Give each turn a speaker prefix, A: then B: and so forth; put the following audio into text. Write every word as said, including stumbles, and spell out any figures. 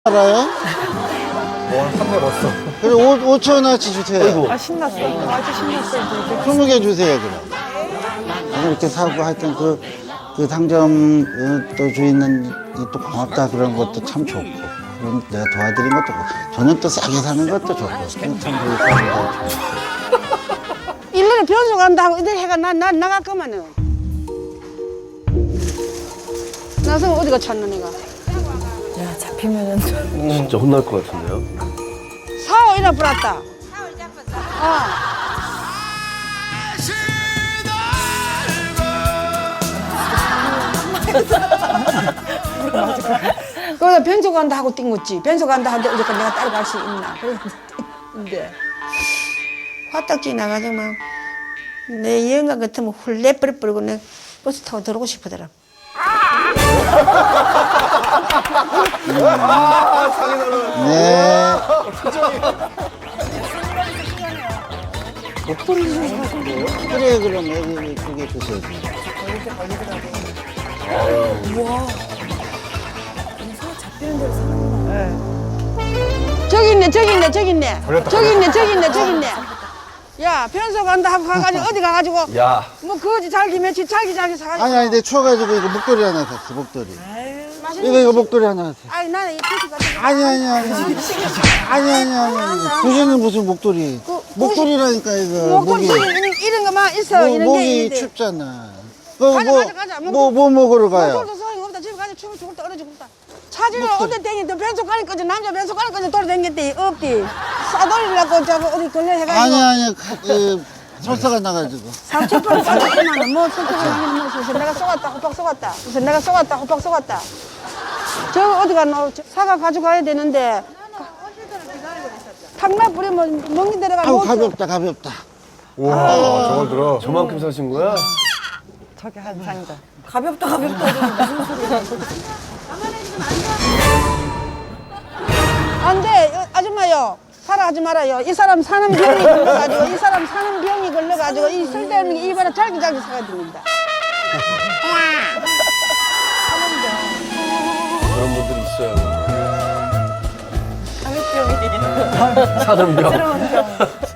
A: 알아요?
B: 와, 삼 대 벌써.
A: 그래, 오천 원어치 주세요.
B: 아이고.
C: 아 신났어. 아주 신났어. 이제.
A: 스무 개 주세요, 그럼. 이렇게 사고 하여튼 그, 그 상점 어, 또 주인은 또 고맙다 그런 것도 참 좋고. 그럼 내가 도와드린 것도 좋고. 저는 또 싸게 사는 것도 좋고. 참 좋고.
D: 일 년에 변소 간다 하고 이들 해가 나, 나 나갈 거면은. 나서 어디가 찾는 애가.
C: 야 잡히면은
B: 진짜 혼날 것 같은데요?
D: 사오 이나 불었다. 어. 거기다 변소 간다 하고 띵었지. 변소 간다 하는데 어저께 내가 따라갈 수 있나. 그런데 화딱 지나가지고 막 내 여행가 같으면 훌레 버려버리고 내 버스 타고 들어오고 싶더라.
A: 네. 그래, 그럼 여기 두개 주세요.
D: 저기 있네, 저기 있네, 저기 있네. 저기 있네, 저기 있네, 저기 있네. 야, 변소 간다 하고 가가지고 어디 가가지고
B: 야.
D: 뭐 거지 잘기 며칠 잘기 잘기 사가지고.
A: 아니, 아니, 내 추워가지고 이거 목도리 하나 샀어, 목도리. 이거, 이거 목도리 하나 샀어.
D: 아니 나는 이 피스 같은 거.
A: 아니, 아니, 아니. 아니, 아니, 아니. 부시는 무슨 목도리.
D: 그,
A: 목도리라니까, 이거.
D: 목걸이
A: 목이.
D: 이런, 이런 거만 있어.
A: 뭐,
D: 이런 게
A: 목이
D: 있는데.
A: 춥잖아. 뭐,
D: 가자,
A: 뭐,
D: 가자, 가자.
A: 뭐, 뭐 먹으러 가요?
D: 목걸이도 소용이 없다. 집에 가서 춤을 죽을 때 얼어 죽을다. 차지를 어디 댕기도 변소 가는 거지. 남자 변소 가는 거지. 돌아댕겼대. 없디. 싸돌리려고 저거 어디 걸려 해가지고.
A: 아니, 아니, 그, 설사가 나가지고.
D: 삼천포를 빠졌구만. 뭐 설득을 하긴 뭐 그래서 내가 쏘갔다. 호박 쏘갔다. 그래서 내가 쏘갔다. 호박 쏘갔다. 저 어디 가노? 저 사과 가져가야 되는데. 탕나 뿌리면 먹는 데가
A: 아우,
D: 못
A: 가볍다, 가볍다.
B: 우와, 저걸 들어. 저만큼 사신 거야?
C: 저기 한 상자. 가볍다 가볍다. 무슨 소리야?
D: 안 돼, 어, 아줌마요. 살아하지 말아요. 이 사람 사는 병이 걸려가지고, 이 사람 사는 병이 걸려가지고, 이 쓸데없는 게 입에다 잘기잘기 사가 됩니다.
B: 그런 분들이 있어요.
C: 사는 병이.
B: 사는 병.
C: 새로운 병.